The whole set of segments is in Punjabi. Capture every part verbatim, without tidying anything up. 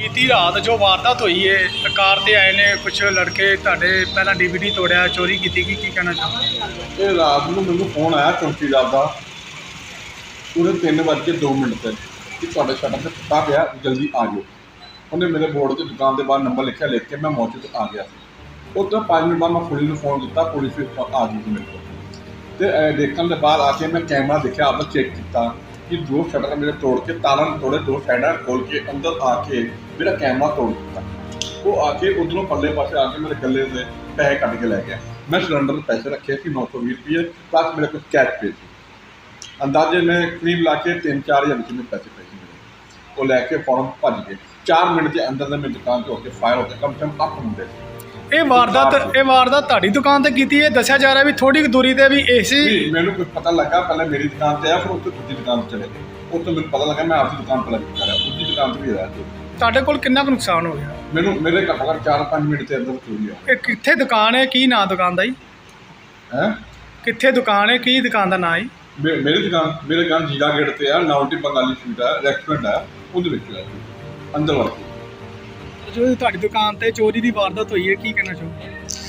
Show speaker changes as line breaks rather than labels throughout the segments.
बीती रात जो वारदात हुई है कार ते आए ने कुछ लड़के ਤੁਹਾਡੇ ਪਹਿਲਾਂ ਡੀਵੀਡੀ ਤੋੜਿਆ ਚੋਰੀ ਕੀਤੀ ਕੀ ਕੀ ਕਹਿਣਾ ਚਾਹੁੰਦੇ?
ਇਹ ਰਾਤ ਨੂੰ ਮੈਨੂੰ ਫੋਨ ਆਇਆ ਚੌਂਕੀਦਾਰ ਦਾ ਪੂਰੇ ਤਿੰਨ ਵੱਜ ਕੇ ਦੋ ਮਿੰਟ ਤੇ ਕਿ ਤੁਹਾਡੇ ਸ਼ਟਰ ਤੇ ਟੁੱਟਾ ਪਿਆ, ਜਲਦੀ ਆ ਜਾਓ। ਉਹਨੇ ਮੇਰੇ ਬੋਰਡ ਤੇ ਦੁਕਾਨ ਦੇ ਬਾਹਰ ਨੰਬਰ ਲਿਖਿਆ, ਲਿਖ ਕੇ ਮੈਂ ਮੌਕੇ 'ਤੇ ਆ ਗਿਆ ਸੀ। ਉਹ ਤੋਂ ਪੰਜ ਮਿੰਟ ਬਾਅਦ ਮੈਂ ਪੁਲਿਸ ਨੂੰ ਫੋਨ ਕੀਤਾ, ਪੁਲਿਸ ਵੀ ਆ ਗਈ ਸੀ ਮੇਰੇ ਕੋਲ। ਅਤੇ ਦੇਖਣ ਦੇ ਬਾਅਦ ਆ ਕੇ ਮੈਂ ਕੈਮਰਾ ਦੇਖਿਆ, ਆਪਦਾ ਚੈੱਕ ਕੀਤਾ ਕਿ ਦੋ ਸ਼ਟਰ ਮੇਰੇ ਤੋੜ ਕੇ ਤਾਲਾਂ ਤੋੜੇ, ਦੋ ਸਾਈਡਾਂ ਖੋਲ੍ਹ ਕੇ ਅੰਦਰ ਆ ਕੇ ਮੇਰਾ ਕੈਮਰਾ ਤੋੜ ਦਿੱਤਾ। ਉਹ ਆ ਕੇ ਉੱਧਰੋਂ ਪੱਲੇ ਪਾਸੇ ਆ ਕੇ ਮੇਰੇ ਗੱਲੇ ਦੇ ਪੈਸੇ ਕੱਢ ਕੇ ਲੈ ਗਿਆ। ਮੈਂ ਸਿਲੰਡਰ ਦੇ ਪੈਸੇ ਰੱਖੇ ਸੀ ਨੌ ਸੌ ਵੀਹ ਰੁਪਏ, ਬਸ ਮੇਰੇ ਕੋਲ ਕੈਸ਼ ਪੇ ਸੀ। ਅੰਦਾਜ਼ੇ ਮੈਂ ਕਰੀਬ ਲਾ ਕੇ ਤਿੰਨ ਚਾਰ ਹਜ਼ਾਰ ਕਿੰਨੇ ਪੈਸੇ ਪਏ ਸੀ ਮੇਰੇ। ਉਹ ਲੈ ਕੇ ਫੌਰਨ ਭੱਜ ਗਏ। ਚਾਰ ਮਿੰਟ ਦੇ ਅੰਦਰ ਦੇ ਮੇਰੀ ਦੁਕਾਨ 'ਤੇ ਹੋ ਕੇ ਫਾਇਰ ਹੋ ਕੇ ਕਮ ਸੇ ਕਮ ਅੱਠ ਹੁੰਦੇ ਸੀ।
ਇਹ ਵਾਰਦਾਤ ਇਹ ਵਾਰਦਾਤ ਤੁਹਾਡੀ ਦੁਕਾਨ ਤੇ ਕੀਤੀ ਹੈ? ਦੱਸਿਆ ਜਾ ਰਿਹਾ ਵੀ ਥੋੜੀ ਦੂਰੀ ਤੇ ਵੀ ਏਸੀ।
ਮੈਨੂੰ ਕੁਝ ਪਤਾ ਲੱਗਾ, ਪਹਿਲਾਂ ਮੇਰੀ ਦੁਕਾਨ ਤੇ ਆਇਆ, ਫਿਰ ਉੱਥੇ ਦੂਜੀ ਦੁਕਾਨ ਤੇ ਚਲੇ ਗਏ। ਉੱਥੇ ਮੈਨੂੰ ਪਤਾ ਲੱਗਾ ਮੈਂ ਆਪਣੀ ਦੁਕਾਨ ਤੇ ਲੱਗ ਰਿਹਾ, ਦੂਜੀ ਦੁਕਾਨ ਤੇ ਵੀ ਰਿਹਾ।
ਤੁਹਾਡੇ ਕੋਲ ਕਿੰਨਾ ਕੁ ਨੁਕਸਾਨ ਹੋ ਗਿਆ?
ਮੈਨੂੰ ਮੇਰੇ ਘੱਟੋ ਘੱਟ ਚਾਰ ਪੰਜ ਮਿੰਟ ਦੇ ਅੰਦਰ ਚੋਰੀ ਆ।
ਇਹ ਕਿੱਥੇ ਦੁਕਾਨ ਹੈ, ਕੀ ਨਾਂ ਦੁਕਾਨ ਦਾ ਜੀ?
ਹੈ
ਕਿੱਥੇ ਦੁਕਾਨ ਹੈ, ਕੀ ਦੁਕਾਨ ਦਾ ਨਾਂ ਹੈ?
ਮੇਰੀ ਦੁਕਾਨ ਮੇਰੇ ਦੁਕਾਨ ਜੀਰਾ ਗੇਟ ਤੇ ਆ, ਨਾਉਟੀ ਬੰਗਾਲੀ ਸਵੀਟ ਆ, ਰੈਸਟੋਰੈਂਟ ਆ, ਉਹਦੇ ਵਿੱਚ ਆ ਅੰਦਰ ਵੜ ਕੇ।
ਜੋ ਤੁਹਾਡੀ ਦੁਕਾਨ ਤੇ ਚੋਰੀ ਦੀ ਵਾਰਦਾਤ ਹੋਈ ਹੈ, ਕੀ ਕਹਿਣਾ ਚਾਹੋਗੇ?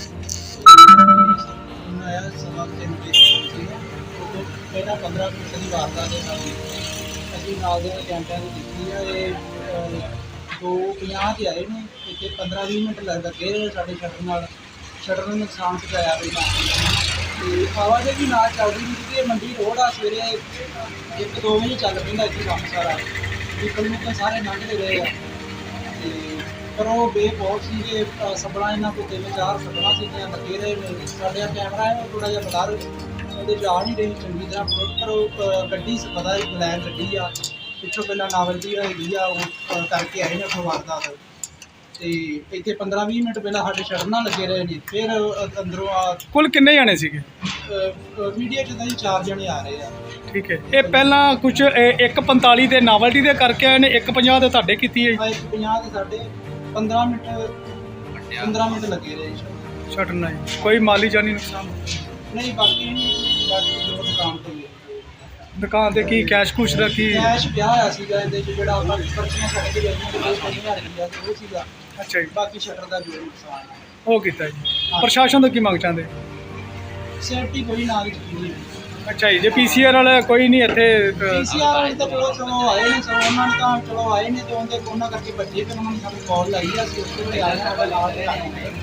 ਆਇਆ ਸਵਾ ਤਿੰਨ ਵਜੇ ਸੀ, ਉਦੋਂ ਪਹਿਲਾਂ ਪੰਦਰਾਂ ਮਿੰਟ ਦੀ ਵਾਰਦਾਤ ਦੇ ਨਾਲ ਅਸੀਂ ਨਾਲ ਦੇ ਕੈਂਪਾਂ ਦੀ ਕੀਤੀ ਆ। ਇਹ ਦੋ ਪੰਜਾਹ 'ਤੇ ਆਏ ਨੇ, ਇੱਥੇ ਪੰਦਰਾਂ ਵੀਹ ਮਿੰਟ ਲੱਗ ਲੱਗੇ ਸਾਡੇ ਸ਼ਟਰ ਨਾਲ। ਸ਼ਟਰ ਨੂੰ ਨੁਕਸਾਨ ਪਹੁੰਚਾਇਆ ਪਹਿਲਾਂ, ਅਤੇ ਆਵਾਜਾਈ ਨਾਲ ਚੱਲਦੀ ਨਹੀਂ ਕਿਉਂਕਿ ਇਹ ਮੰਡੀ ਰੋਡ ਆ। ਸਵੇਰੇ ਇੱਕ ਦੋ ਵਜੇ ਚੱਲ ਪੈਂਦਾ ਇੱਥੇ ਕੰਮ ਸਾਰਾ, ਨਿਕਲ ਨਿਕਲ ਸਾਰੇ ਲੰਘਦੇ ਰਹੇ ਆ। ਅਤੇ ਪਰ ਉਹ ਬੇਬੌਲ ਸੀਗੇ, ਸੱਬਲਾਂ ਇਹਨਾਂ ਕੋਲ ਤਿੰਨ ਚਾਰ ਸੱਬਲਾਂ ਸੀਗੀਆਂ ਲੱਗੇ ਰਹੇ ਨੇ। ਸਾਡੇ ਕੈਮਰਾ ਹੈ ਉਹ ਥੋੜ੍ਹਾ ਜਿਹਾ ਬਲਰ ਉਹਦੇ 'ਚ ਆ ਨਹੀਂ ਰਹੀ ਚੰਗੀ ਤਰ੍ਹਾਂ, ਪਰ ਉਹ ਗੱਡੀ ਪਤਾ ਹੀ ਬਲੈਕ ਗੱਡੀ ਆ, ਪਿੱਛੋਂ ਪਹਿਲਾਂ ਨਾਵਲਟੀ ਹੈਗੀ ਆ, ਉਹ ਕਰਕੇ ਆਏ ਨੇ ਉੱਥੋਂ ਵਾਰਦਾਤ। ਅਤੇ ਇੱਥੇ ਪੰਦਰਾਂ ਵੀਹ ਮਿੰਟ ਪਹਿਲਾਂ ਸਾਡੇ ਸ਼ਟਰ ਨਾਲ ਲੱਗੇ ਰਹੇ ਨੇ, ਫਿਰ ਅੰਦਰੋਂ ਆ।
ਕੁੱਲ ਕਿੰਨੇ ਜਾਣੇ ਸੀਗੇ?
ਮੀਡੀਆ 'ਚ ਤਾਂ ਜੀ ਚਾਰ ਜਣੇ ਆ ਰਹੇ ਆ।
ਠੀਕ ਹੈ। ਇਹ ਪਹਿਲਾਂ ਕੁਝ ਇੱਕ ਪੰਤਾਲੀ ਦੇ ਨਾਵਲਟੀ ਦੇ ਕਰਕੇ ਆਏ ਨੇ, ਇੱਕ ਪੰਜਾਹ ਦੇ ਤੁਹਾਡੇ ਕੀਤੀ ਹੈ?
ਇੱਕ ਪੰਜਾਹ ਦੇ ਸਾਡੇ ਪੰਦਰਾਂ ਮਿੰਟ ਪੰਦਰਾਂ ਮਿੰਟ ਲੱਗੇ ਰਹੇ
ਸ਼ਟਰ ਨਾਲ। ਕੋਈ ਮਾਲੀ ਜਾਨੀ ਨੁਕਸਾਨ
ਨਹੀਂ? ਬਾਕੀ ਬਾਕੀ ਜੋ ਦੁਕਾਨ 'ਤੇ
ਦੁਕਾਨ ਤੇ ਕੀ ਕੈਸ਼ ਕੁਸ਼ ਦਾ ਕੀ?
ਕੈਸ਼ ਪਿਆ ਹੋਇਆ ਸੀਗਾ ਇਹਦੇ 'ਚ, ਜਿਹੜਾ ਆਪਾਂ ਪਰਚੀਆਂ ਸਾਡੇ ਕੋਲ ਜਾਂਦੀਆਂ ਪੰਜ ਹਜ਼ਾਰ ਰੁਪਈਆ ਉਹ ਸੀਗਾ।
ਅੱਛਾ ਜੀ।
ਬਾਕੀ ਸ਼ਟਰ ਦਾ ਜੋ ਨੁਕਸਾਨ ਹੈ
ਉਹ ਕੀਤਾ ਜੀ। ਪ੍ਰਸ਼ਾਸਨ ਤੋਂ ਕੀ ਮੰਗ ਚਾਹੁੰਦੇ?
ਸੇਫਟੀ ਕੋਈ ਨਾ ਦੀ ਚੀਜ਼।
ਅੱਛਾ ਜੀ। ਜੇ ਪੀਸੀਆਰ ਵਾਲਾ ਕੋਈ ਨਹੀਂ ਇੱਥੇ?
ਪੀਸੀਆਰ ਵਾਲੇ ਤਾਂ ਚਲੋ ਚਲੋ ਆਏ ਨੇ, ਸੋ ਉਹਨਾਂ ਨੇ ਤਾਂ ਚਲੋ ਆਏ ਨੇ, ਤੇ ਉਹਦੇ ਉਹਨਾਂ ਕਰਕੇ ਬੱਚੇ ਤੇ ਉਹਨਾਂ ਨੇ ਸਾਨੂੰ ਕਾਲ ਲਾਈ ਆ, ਅਸੀਂ ਉਸ ਵੇਲੇ ਆਏ ਹਾਂ ਨਾਲ ਦੇ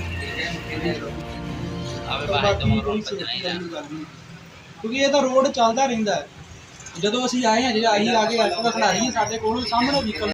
ਬਾਕੀ ਕੋਈ ਸੇਫਟੀ ਦਾ ਨਹੀਂ ਗੱਲ ਨਹੀਂ, ਕਿਉਂਕਿ ਇਹ ਤਾਂ ਰੋਡ ਚੱਲਦਾ ਰਹਿੰਦਾ ਹੈ। ਜਦੋਂ ਅਸੀਂ ਆਏ ਹਾਂ, ਜੇ ਅਸੀਂ ਆ ਕੇ ਐਕਟਿਵਾ ਖਿਲਾਰੀ ਸਾਡੇ ਕੋਲ ਸਾਹਮਣੇ ਵਹੀਕਲ